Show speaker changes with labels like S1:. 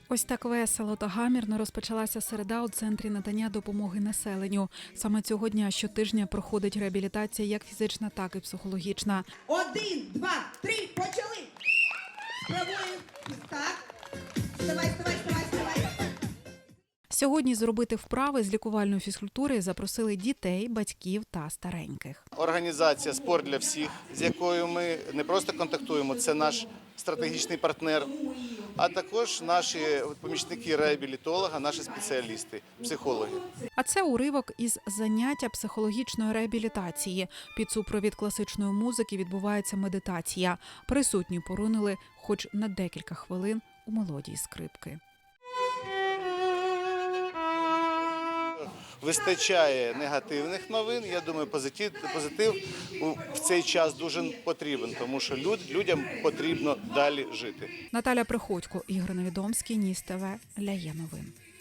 S1: Ось так весело та гамірно розпочалася середа у центрі надання допомоги населенню. Саме цього дня щотижня проходить реабілітація як фізична, так і психологічна.
S2: 1, 2, 3, почали! Спробуємо. Так. Вставай.
S1: Сьогодні зробити вправи з лікувальної фізкультури запросили дітей, батьків та стареньких.
S3: Організація «Спорт для всіх», з якою ми не просто контактуємо, це наш стратегічний партнер, а також наші помічники реабілітолога, наші спеціалісти, психологи.
S1: А це уривок із заняття психологічної реабілітації. Під супровід класичної музики відбувається медитація. Присутні поринили хоч на декілька хвилин у мелодії скрипки.
S3: Вистачає негативних новин. Я думаю, позитив в цей час дуже потрібен, тому що людям потрібно далі жити.
S1: Наталя Приходько, Ігор Невідомський, Ніс ТВ, Ляє новин.